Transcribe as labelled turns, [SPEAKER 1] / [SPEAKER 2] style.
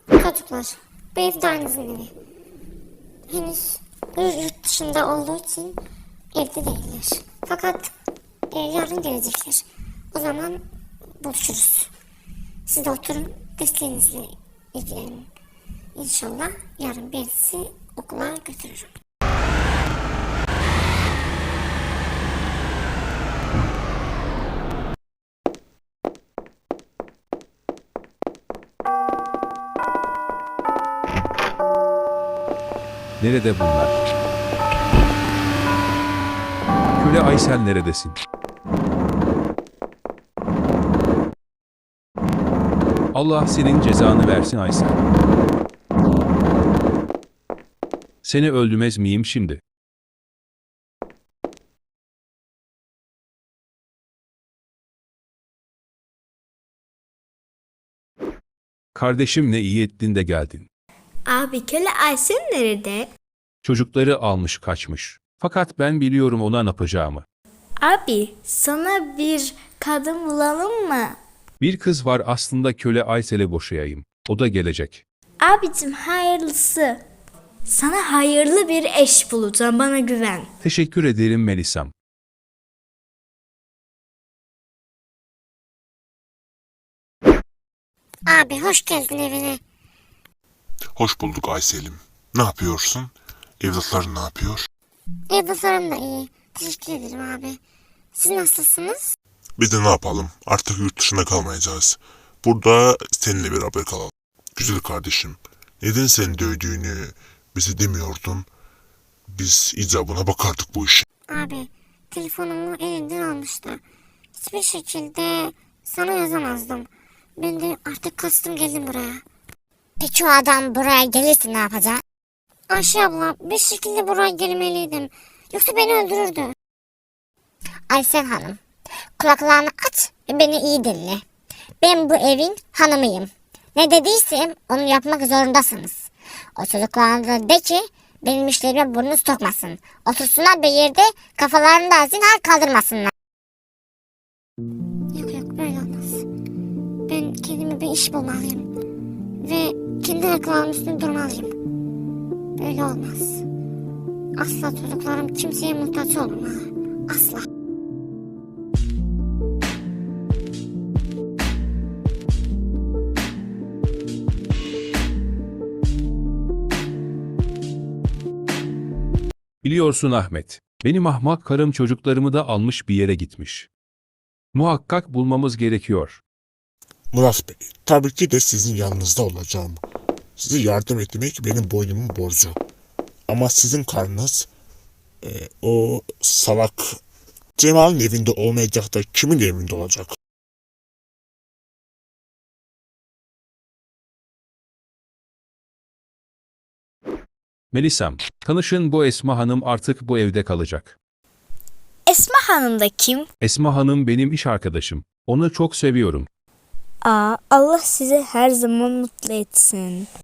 [SPEAKER 1] Çocuklar, bu ev de aynısının evi. Henüz yurt dışında olduğu için evde değiller. Fakat yarın gelecekler. O zaman buluşuruz. Siz de oturun, desteğinizle ilgilenin. İnşallah yarın birisi okula götürürüm.
[SPEAKER 2] Nerede bunlar? Köle Aysel neredesin? Allah senin cezanı versin Aysel. Seni öldürmez miyim şimdi? Kardeşim ne iyi ettin de geldin.
[SPEAKER 3] Abi köle Aysel nerede?
[SPEAKER 2] Çocukları almış kaçmış. Fakat ben biliyorum ona ne yapacağımı.
[SPEAKER 3] Abi sana bir kadın bulalım mı?
[SPEAKER 2] Bir kız var aslında köle Aysel'e boşayayım. O da gelecek.
[SPEAKER 3] Abicim hayırlısı. Sana hayırlı bir eş bulacağım, bana güven.
[SPEAKER 2] Teşekkür ederim Melisam.
[SPEAKER 1] Abi hoş geldin evine.
[SPEAKER 4] Hoş bulduk Aysel'im. Ne yapıyorsun? Evlatların ne yapıyor?
[SPEAKER 1] Evlatlarım da iyi. Teşekkür ederim abi. Siz nasılsınız?
[SPEAKER 4] Biz de ne yapalım? Artık yurt dışında kalmayacağız. Burada seninle beraber kalalım. Güzel kardeşim, neden sen dövdüğünü bize demiyordun? Biz icabına bakardık bu işe.
[SPEAKER 1] Abi telefonumu elinden almıştı. Hiçbir şekilde sana yazamazdım. Ben de artık kastım geldim buraya. Peki o adam buraya gelirse ne yapacak? Ayşe abla bir şekilde buraya gelmeliydim. Yoksa beni öldürürdü. Aysel Hanım, kulaklarını aç ve beni iyi dinle. Ben bu evin hanımıyım. Ne dediysem onu yapmak zorundasınız. O çocuklarına de ki benim işlerime burnunu sokmasın. Otursunlar bir yerde kafalarını da zinhar kaldırmasınlar. Yok böyle olmaz. Ben kendime bir iş bulmalıyım. Ve kendi ayaklarımın üstünde durmalıyım. Böyle olmaz. Asla çocuklarım kimseye muhtaç olmamalı. Asla.
[SPEAKER 2] Biliyorsun Ahmet, benim ahmak karım çocuklarımı da almış bir yere gitmiş. Muhakkak bulmamız gerekiyor.
[SPEAKER 5] Murat Bey, tabii ki de sizin yanınızda olacağım. Size yardım etmek benim boynumun borcu. Ama sizin karnınız o salak Cemal'in evinde olmayacak da kimin evinde olacak?
[SPEAKER 2] Melisam, tanışın bu Esma Hanım artık bu evde kalacak.
[SPEAKER 3] Esma Hanım da kim?
[SPEAKER 2] Esma Hanım benim iş arkadaşım. Onu çok seviyorum.
[SPEAKER 3] Allah sizi her zaman mutlu etsin.